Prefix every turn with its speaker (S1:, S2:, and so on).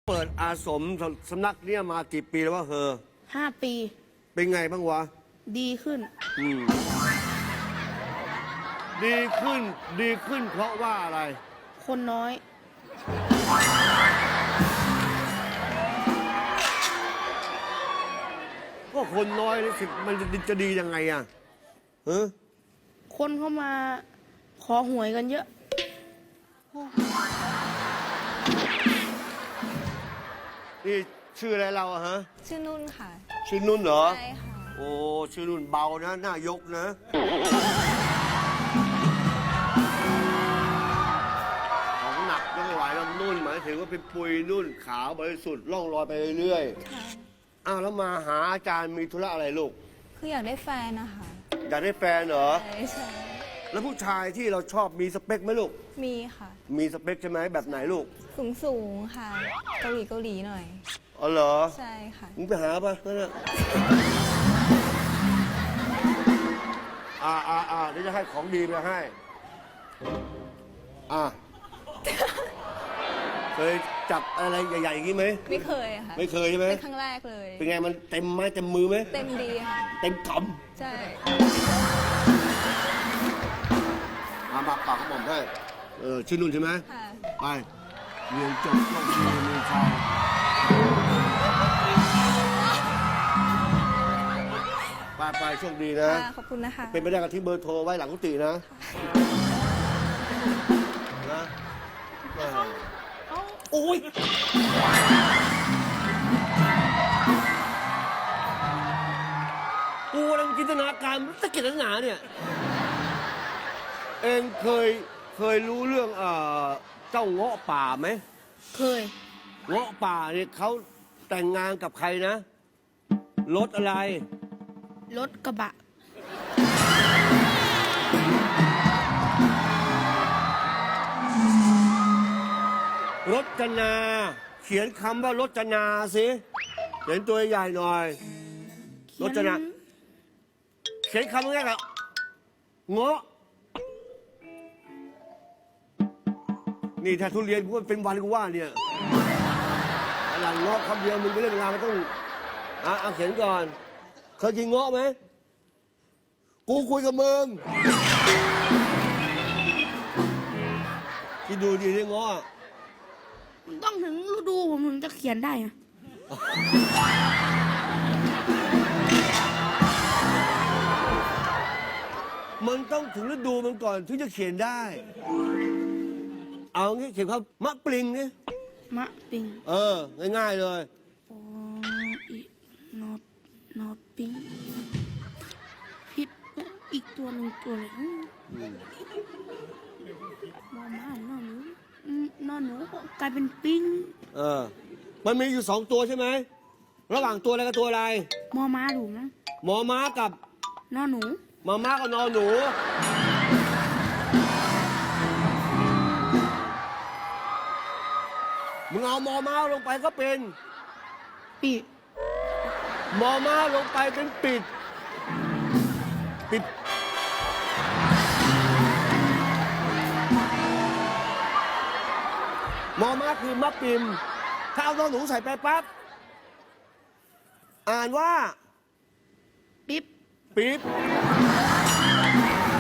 S1: เปิดอาสมสำนักเนี่ยมากี่ปีแล้ววะ
S2: 5 ปี
S1: เป็นไงบ้างวะ
S2: ดีขึ้น
S1: ดีขึ้นดีขึ้นเพราะว่าอะไร
S2: คนน้อย
S1: ก็คนน้อยนี่สิมันจะดียังไงอ่ะ
S2: คนเข้ามาขอหวยกันเยอะ
S1: นี่ชื่ออะไรเราอะฮะ
S3: ชื่อนุ่นค่ะ
S1: ชื่อนุ่นเหรอ
S3: ใช่ค่ะ
S1: โอ้ชื่อนุ่นเบานะหน้ายกนะของหนักยกไม่ไหวแล้วนุ่นหมายถึงว่าเป็นปุยนุ่นขาวบริสุทธิ์ล่องลอยไปเรื่อย
S3: ค่ะ
S1: ๆอ้าวแล้วมาหาอาจารย์มีธุระอะไรลูก
S3: คืออยากได้แฟนนะคะ
S1: อยากได้แฟนเหรอ
S3: ใช่
S1: แล้วผู้ชายที่เราชอบมีสเปคไหมลูก
S3: มีค่ะ
S1: มีสเปคใช่ไหมแบบไหนลูก
S3: สูงค่ะ เกาหลีหน่อย
S1: อ๋อเหรอ
S3: ใช่ค่ะ
S1: มึงไปหาปะนั่นน่ะเดี๋ยวจะให้ของดีไปให้เคยจับอะไรใหญ่ๆอย่างนี้ไหม
S3: ไม่เคยค่ะ
S1: ไม่เคยใช่ไหม
S3: เป็นครั้งแรกเลย
S1: เป็นไงมันเต็มไม้เต็มมือไหม
S3: เต็มดีค่ะ
S1: เต็มก
S3: ใช่
S1: ำมาปากกระบอกให้ชื่อนุ่นใช่ไหม
S3: ค่ะ
S1: ไปเรียนจบต้องมีมือชายไปโชคดีนะ
S3: ค่ะ ขอบคุณนะคะ
S1: เป็นไปได้กับที่เบอร์โทรไว้หลังกุฏินะนะโอ้ยกูกำลังจินตนาการสะเก็ดหนาเนี่ยเองเคยรู้เรื่องเจ้าเงาะป่าไหม
S2: เคย
S1: เงาะป่าเนี่ยเขาแต่งงานกับใครนะรถอะไร
S2: รถกระบะ
S1: รจนา เขียนคำว่ารจนาสิเขียนตัวใหญ่หน่อยรจนา เขียนคำแรกอะเงาะนี่ถ้าทุเรียนกูเป็นวันกูว่าเนี่ยหลังเงาะคำเดียวมึงไปเล่นเวลาไม่ต้องเอาเขียนก่อนเคยกินเงาะไหมกูคุยกับมึงคิดดูดีที่เงาะ
S2: ต้องถึงฤดูผมถึงจะเขียนได้นะ
S1: มันต้องถึงฤดูมันก่อนถึงจะเขียนได้ เอางี้เขียนคำมะปริงนี่
S2: มะปิง
S1: ง่ายๆเลย
S2: โออีนอปิงผิดอีกตัวหนึ่งตัวเลยมอม้านอนหนูกลายเป็นปิง
S1: มันมีอยู่สองตัวใช่ไหมระหว่างตัวอะไรกับตัวอะไร
S2: มอม้าถูกมั้ง
S1: หมอม้ากับ
S2: นอหนู
S1: มาม่ากับนอนหนูมึงเอาหมอม้าลงไปก็เป็น
S2: ปี
S1: หมอม้าลงไปเป็นปิดหมอม้าคือมะปิมถ้าเอานอนหนูใส่ไปปั๊บอ่านว่า
S2: ปิ๊บ
S1: ปิ๊บ